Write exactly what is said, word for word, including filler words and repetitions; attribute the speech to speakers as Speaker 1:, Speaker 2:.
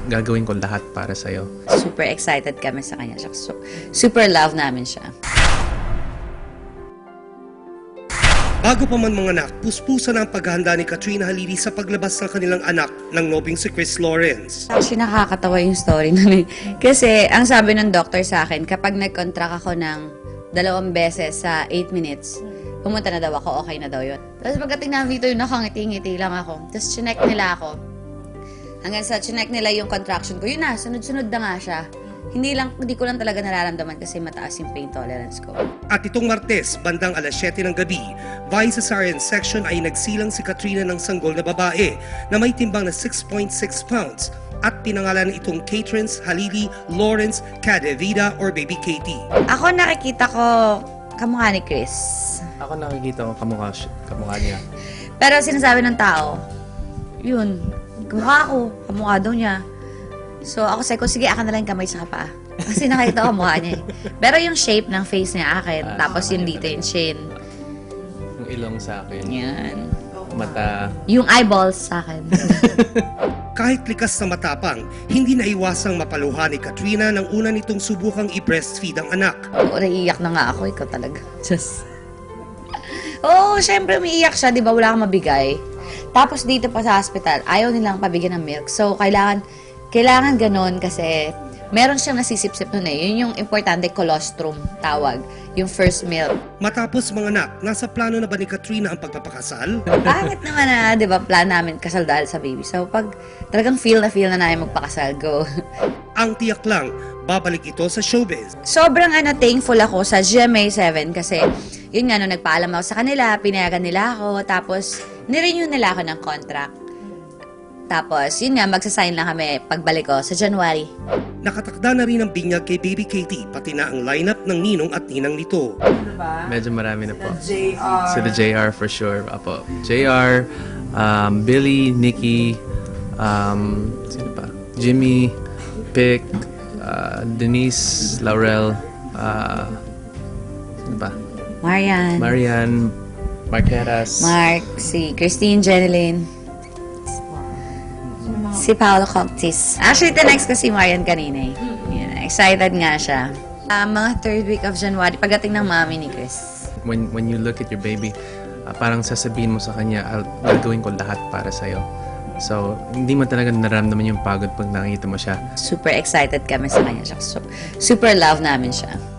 Speaker 1: gagawin ko lahat para sa'yo.
Speaker 2: Super excited kami sa kanya. So, super love namin siya.
Speaker 3: Bago pa man manganak, puspusan ang paghahanda ni Katrina Halili sa paglabas ng kanilang anak ng nobing si Chris Lawrence.
Speaker 2: Actually, nakakatawa yung story nun eh. Kasi, ang sabi ng doctor sa akin, kapag nag-contract ako ng dalawang beses sa eight minutes, pumunta na daw ako, okay na daw yun. Tapos pagdating namin dito, yung nakangiti-ngiti lang ako. Tapos chinek nila ako. Hanggang sa chinek nila yung contraction ko, yun na, sunod-sunod na nga siya. Hindi lang, hindi ko lang talaga nararamdaman kasi mataas yung pain tolerance ko.
Speaker 3: At itong Martes, bandang alas siyete ng gabi, via cesarean section ay nagsilang si Katrina ng sanggol na babae na may timbang na six point six pounds at pinangalan itong Katrins Halili Lawrence Cadevida or Baby Katie.
Speaker 2: Ako nakikita ko kamukha ni Chris.
Speaker 1: Ako nakikita ko kamukha, siya- kamukha niya.
Speaker 2: Pero sinasabi ng tao, yun, kamukha ako, kamukha daw niya. So ako sabi ko, sige, akin na lang yung kamay sa paa. Kasi nakita ko mukha niya eh. Pero yung shape ng face niya akin,
Speaker 1: Ah,
Speaker 2: tapos yung dito yung chin.
Speaker 1: Yung ilong sa akin,
Speaker 2: Yan.
Speaker 1: mata.
Speaker 2: Yung eyeballs sa akin.
Speaker 3: Kahit likas na matapang, hindi naiwasang mapaluha ni Katrina nang una nitong subukang i-breastfeed ang anak.
Speaker 2: Oo, naiiyak na nga ako, ikaw talaga. Just... Oo, syempre umiiyak siya, di ba? Wala kang mabigay. Tapos dito pa sa hospital, ayaw nilang pabigyan ng milk. So, kailangan, kailangan ganun kasi meron siyang nasisip-sip nun eh. Yun yung importante, colostrum, tawag. Yung first milk.
Speaker 3: Matapos manganak, nasa plano na ba ni Katrina ang pagpapakasal?
Speaker 2: Bakit naman na, di ba, plan namin kasal dahil sa baby. So, pag talagang feel na feel na namin magpakasal, go.
Speaker 3: Ang tiyak lang, babalik ito sa showbiz.
Speaker 2: Sobrang ano, thankful ako sa G M A seven kasi yun nga, no, nagpaalam ako sa kanila, pinayagan nila ako, tapos nirenew nila ako ng contract. Tapos, yun nga, magsasign lang kami pagbalik ko sa January.
Speaker 3: Nakatakda na rin ang binyag kay Baby Katie, pati na ang lineup ng ninong at ninang nito.
Speaker 1: Medyo marami na po.
Speaker 4: J R.
Speaker 1: Sila J R for sure. Apo. J R, um, Billy, Nikki, um, sino pa? Jimmy, Pick, uh, Denise, Laurel, uh, sino pa?
Speaker 2: Marian,
Speaker 1: Marian, Marqueras.
Speaker 2: Mark, si Christine Jeneline, si Paolo Coctis. Actually, the next ko si Marian kanina eh. Yan, excited nga siya. Ah, mga third week of January, pagdating ng mami ni Chris.
Speaker 1: when when you look at your baby, uh, parang sasabihin mo sa kanya, I'll, gagawin ko lahat para sa'yo. So, hindi mo talaga nararamdaman yung pagod pag nakikita mo siya.
Speaker 2: Super excited kami sa kanya. So, super love namin siya.